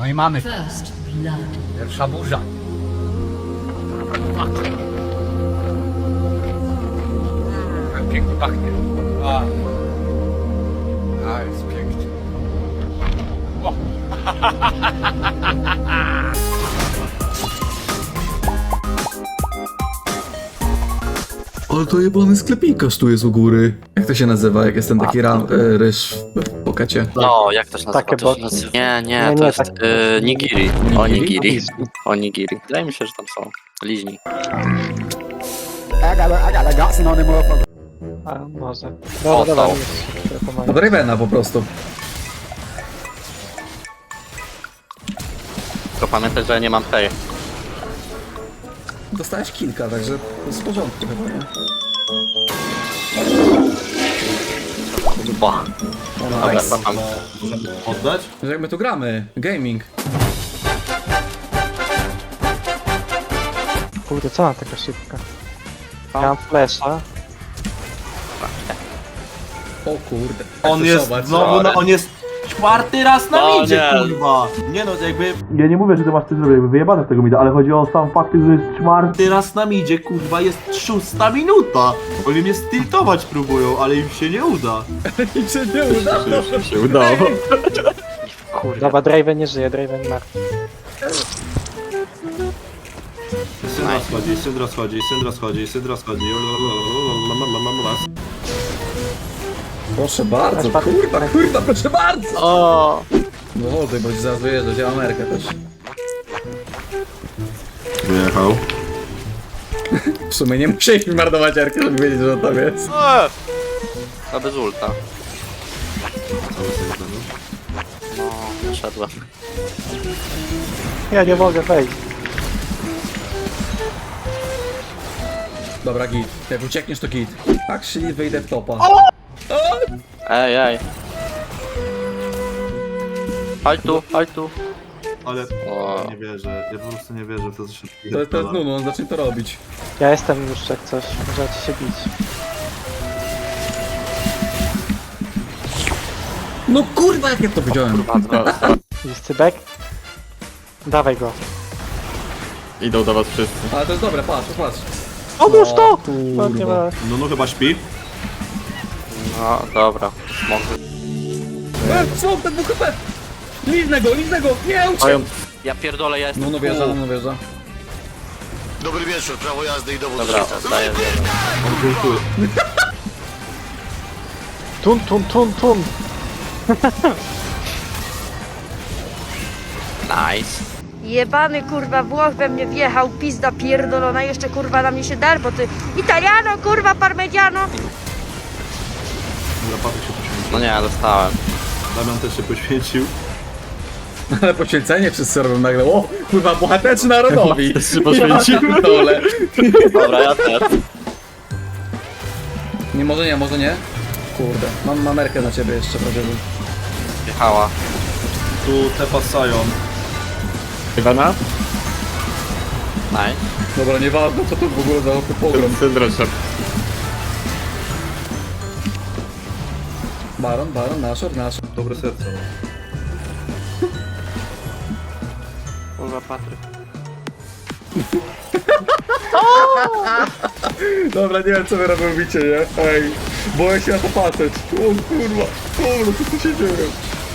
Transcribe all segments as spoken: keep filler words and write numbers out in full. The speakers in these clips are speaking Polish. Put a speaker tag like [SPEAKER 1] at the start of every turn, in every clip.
[SPEAKER 1] No i mamy
[SPEAKER 2] First blood.
[SPEAKER 1] pierwsza burza. Jak pięknie pachnie. A, A jest pięknie. O.
[SPEAKER 3] Ale to jebany sklepikarz tu jest u góry. Jak to się nazywa, jak jest ten taki ram, e, ryż w pokacie?
[SPEAKER 4] No, jak to się nazywa?
[SPEAKER 5] Takie
[SPEAKER 4] To się
[SPEAKER 5] bo-
[SPEAKER 4] nazywa... Nie, nie,
[SPEAKER 5] Nie,
[SPEAKER 4] to
[SPEAKER 5] nie,
[SPEAKER 4] jest
[SPEAKER 5] tak-
[SPEAKER 4] y, nigiri.
[SPEAKER 3] Nigiri?
[SPEAKER 4] Onigiri. Onigiri. Wydaje mi się, że tam są liźni.
[SPEAKER 5] A, może.
[SPEAKER 4] O,
[SPEAKER 5] Dobra, dobra,
[SPEAKER 4] to.
[SPEAKER 5] już się pomagam.
[SPEAKER 3] Od Ravena po prostu.
[SPEAKER 4] Tylko pamiętaj, że ja nie mam tej.
[SPEAKER 3] Dostałeś kilka, także to jest w porządku chyba, nie?
[SPEAKER 4] Ba. Dobra,
[SPEAKER 3] Nice.
[SPEAKER 4] mam.
[SPEAKER 6] Oddać?
[SPEAKER 3] Że jak my tu gramy? Gaming.
[SPEAKER 5] Kurde, co mam taka szybka? Ja mam flesza.
[SPEAKER 3] O kurde.
[SPEAKER 6] On jest
[SPEAKER 3] Zobacz,
[SPEAKER 6] znowu, na, on jest czwarty raz na
[SPEAKER 4] No
[SPEAKER 6] midzie,
[SPEAKER 4] nie.
[SPEAKER 6] kurwa. Nie no, jakby... Ja nie mówię, że ty masz coś zrobić, jakby wyjebane z tego mida, ale chodzi o sam fakt, że jest czwarty raz na midzie, kurwa, jest szósta minuta. Oni mnie stiltować próbują, ale im się nie uda.
[SPEAKER 3] Nic się nie udało.
[SPEAKER 4] się udało.
[SPEAKER 5] Kurde. Dobra, Draven nie żyje, Draven martwy.
[SPEAKER 6] Syndra schodzi, Syndra schodzi, Syndra schodzi, Syndra schodzi.
[SPEAKER 3] Proszę bardzo, kurwa, kurwa, proszę bardzo.
[SPEAKER 4] O.
[SPEAKER 3] No wody, bo ci zaraz wyjeżdżać, ja mam Amerykę też.
[SPEAKER 6] Wyjechał.
[SPEAKER 3] W sumie nie musieliśmy marnować Erkę, żeby wiedzieć, że on tam jest.
[SPEAKER 4] Eee. To bez ulta. No, wyszedłem.
[SPEAKER 5] Ja nie mogę wejść.
[SPEAKER 3] Dobra, git. Jak uciekniesz, to git. Tak, czyli wyjdę w topa.
[SPEAKER 4] Ej, ej. Chodź tu, chodź tu.
[SPEAKER 6] Ale
[SPEAKER 4] O.
[SPEAKER 6] nie wierzę, ja po prostu nie wierzę w to, co się
[SPEAKER 3] To, to jest Nunu, on zacznie to robić.
[SPEAKER 5] Ja jestem już jak coś, możecie się bić.
[SPEAKER 3] No kurwa, jak ja to widziałem.
[SPEAKER 5] Jest cybek? Dawaj go.
[SPEAKER 4] Idą do was wszyscy.
[SPEAKER 3] Ale to jest dobre, patrz, patrz.
[SPEAKER 5] Odłóż to!
[SPEAKER 3] kurwa.
[SPEAKER 5] No, nie ma.
[SPEAKER 6] No no chyba śpi.
[SPEAKER 4] No, dobra. Smok.
[SPEAKER 3] E, smok, ten dwóch H P! Liznę go, liznę go, nie uciekł!
[SPEAKER 4] Mają... Ja pierdolę, ja jestem
[SPEAKER 3] No, no wjeżdża, no wjeżdża.
[SPEAKER 7] Dobry wieczór, prawo jazdy i dowód do
[SPEAKER 4] Dobra,
[SPEAKER 7] życia.
[SPEAKER 4] oddaję wiele.
[SPEAKER 6] On kultuje.
[SPEAKER 5] Tun, tun, tun, tun!
[SPEAKER 4] Nice.
[SPEAKER 8] Jebany kurwa Włoch we mnie wjechał, pizda pierdolona, jeszcze kurwa na mnie się dar, bo ty Italiano, kurwa parmigiano.
[SPEAKER 6] Zapadek się poświęcił.
[SPEAKER 4] No nie, dostałem.
[SPEAKER 6] Damian też się poświęcił.
[SPEAKER 3] Ale poświęcenie wszyscy robią nagle. O, kurwa, bohaterzy narodowi.
[SPEAKER 4] Też się poświęcił.
[SPEAKER 3] Ja pierdolę.
[SPEAKER 4] Dobra, ja też.
[SPEAKER 3] Nie, może nie, może nie. Kurde, mam mamerkę na ciebie jeszcze, prawie.
[SPEAKER 4] Jechała.
[SPEAKER 6] Tu Tepa Sion.
[SPEAKER 4] Iwana? Nice.
[SPEAKER 3] Dobra, nieważne co to w ogóle za pogrom. Baron, baron, naszor, naszor.
[SPEAKER 6] Dobre serce.
[SPEAKER 4] Kurwa, Patryk.
[SPEAKER 3] Dobra, nie wiem co wy robicie, nie? Ej, boję się na to patrzeć. O kurwa, kurwa, co tu się dzieje?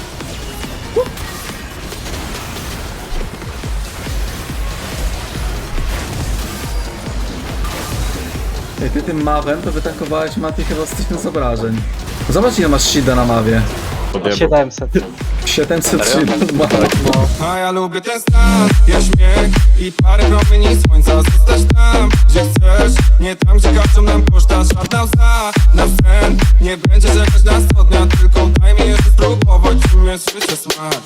[SPEAKER 3] Ej, ty tym mawem to wytankowałeś Mati chyba z tysiąc obrażeń. Zobacz ile masz shida na mawie.
[SPEAKER 5] siedemset.
[SPEAKER 3] siedemset shida z mawy.
[SPEAKER 9] A ja lubię ten stan, ja śmiech i parę promieni słońca. Zostać tam, gdzie chcesz, nie tam, gdzie każą nam koszta. Żadna łza na sen, nie będzie czekać na sto dnia. Tylko daj mi jeszcze spróbować, czym jest życie smak.